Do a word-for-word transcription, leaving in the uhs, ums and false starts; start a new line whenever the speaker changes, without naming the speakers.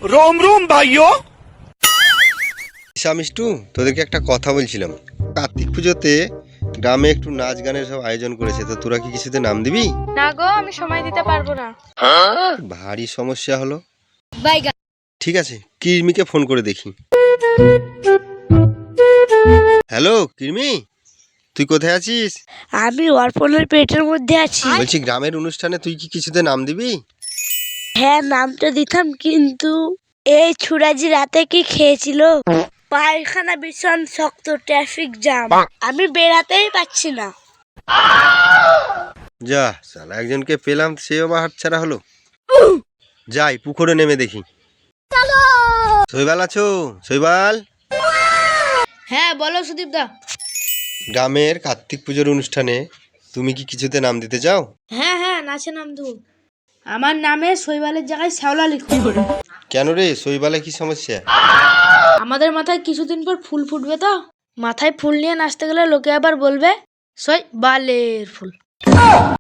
रोम रोम भाइयों।
মিষ্টু, তোদেরকে একটা কথা বলছিলাম। কার্তিক পুজোতে গ্রামে একটু নাচ গানের সব আয়োজন করেছে, তো তোরা কি কিছুতে নাম দিবি?
না গো, আমি সময় দিতে পারবো না।
ভারী সমস্যা হলো।
বাইগা।
ঠিক আছে, কিরমিকে ফোন করে দেখি। হ্যালো কিরমি, তুই কোথায় আছিস?
আমি অর্পণের পেটের মধ্যে আছি।
বলছি গ্রামের অনুষ্ঠানে তুই কি কিছুতে নাম দিবি?
হ্যাঁ, নামটা দিতাম, কিন্তু এই ছুরাজি রাতে কি খেয়েছিল, পায়খানা ভীষণ শক্ত, ট্রাফিক জ্যাম, আমি বেরাতেই পাচ্ছি না।
যা সালা, একজনকে পেলাম সেও বা হাতছাড়া হলো। যাই পুকুরে নেমে দেখি। শৈবাল আছো? শৈবাল,
হ্যাঁ বলো সুদীপ দা।
গ্রামের কার্তিক পুজোর অনুষ্ঠানে তুমি কি কিছুতে নাম দিতে চাও?
হ্যাঁ হ্যাঁ, নাচে নাম দেবো। আমার নামে শৈবালের জায়গায় শ্যাওলা লিখো।
কেন রে, শৈবালে কি সমস্যা?
আমাদের মাথায় কিছুদিন পর ফুল ফুটবে, তো মাথায় ফুল নিয়ে নাচতে গেলে লোকে আবার বলবে শৈবালের ফুল।